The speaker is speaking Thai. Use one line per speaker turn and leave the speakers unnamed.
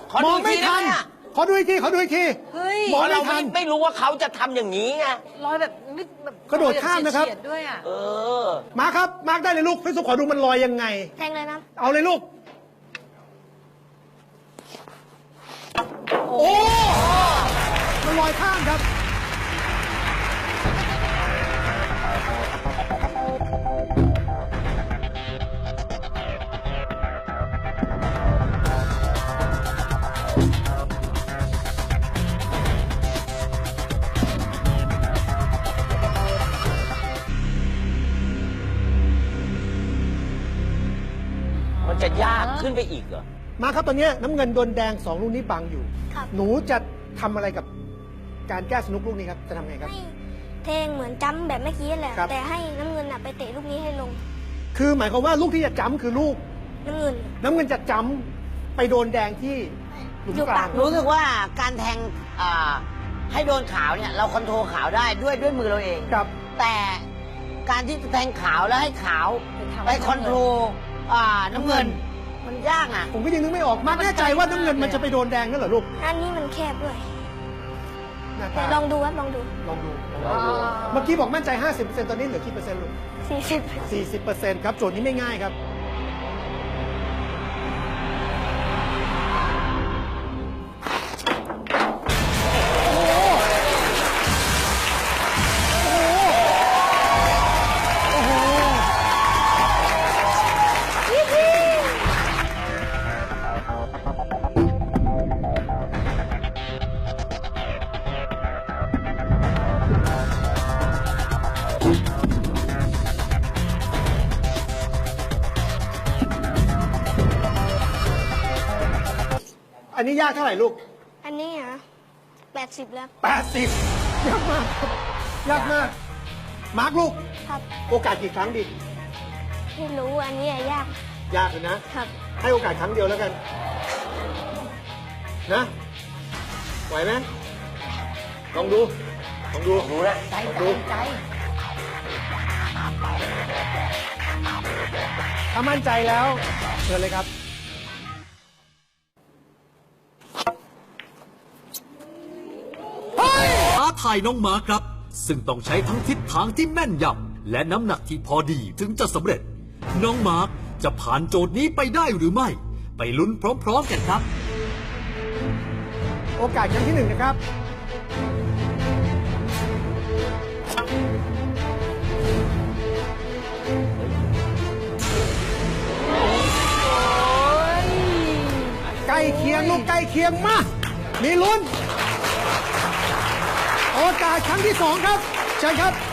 มองไม่ทันขอดูอีกที
เฮ้ย
มอง
เรา
ไม่ทัน
ไม่รู้ว่าเขาจะทำอย่างนี้ไง
ลอยแบบนิดแบบ
กระโดดข้ามนะครับ
เฉียดด้วยอ่ะ
เออ
มาครับมาร์คได้เลยลูกพี่สุขอดูมันลอยยังไง
แทงเลยนะ
เอาเลยลูกโอ้มันลอยข้ามครับ
มันจะยากขึ้นไปอีกเหรอ
มาครับตอนนี้น้ำเงินโดนแดง2ลูกนี้บังอยู่
ครับ
หนูจะทำอะไรกับการแก้สนุกลูกนี้ครับจะทำไงครับ
ให้แทงเหมือนจ้ำแบบเมื่อกี้แหละ
ครับ
แต่ให้น้ำเงินไปเตะลูกนี้ให้ลง
คือหมายความว่าลูกที่จะจ้ำคือลูก
น้ำเงิน
น้ำเงินจะจ้ำไปโดนแดงที่หลุม
อยู่
กลา
ปาง ก
รู้สึกว่าการแทงให้โดนขาวเนี่ยเราคอนโทรลขาวได้ด้วยมือเราเอง
ครับ
แต่การที่จะแทงขาวแล้วให้ขาวไปคอนโทรลน้ำเงิน มันยากอ่ะ
ผมก็ยังนึกไม่ออกมากแน่ใจว่าน้ำเงินมันจะไปโดนแดงนั่นเหรอลูก
อันนี้มันแคบด้วย
หน้า
แต่
ตา
ลองดูครับลองดู
ลองดูเมื่อกี้บอกมั่นใจ 50%ตอนนี้เหลือกี่เปอร์เซ็นต์ลูก
40
40%ครับโจทย์นี้ไม่ง่ายครับอันนี้ยากเท่าไหร่ลูก
อันนี้เหรอ80 แล้ว
80 ยากมากครับยากมาก มาร์คลูก
ครับ
โอกาสกี่ครั้งดี
ไม่รู้อันนี้ยาก
ยากเลยนะ
ครับ
ให้โอกาสครั้งเดียวแล้วกัน นะ ไหวไหมลองดู ลองดู
รู้นะ
ลองดูถ้ามั่นใจแล้วเชิญเลยครับ
ท้าทายน้องมาร์คครับ ซึ่งต้องใช้ทั้งทิศทางที่แม่นยำและน้ำหนักที่พอดีถึงจะสำเร็จ น้องมาร์คจะผ่านโจทย์นี้ไปได้หรือไม่ ไปลุ้นพร้อมๆกันครับ
โอกาสครั้งที่ 1 นะครับ ใกล้เคียงลูกใกล้เคียงมาก มีลุ้น โอกาสครั้งที่ 2 ครับเชิญครับ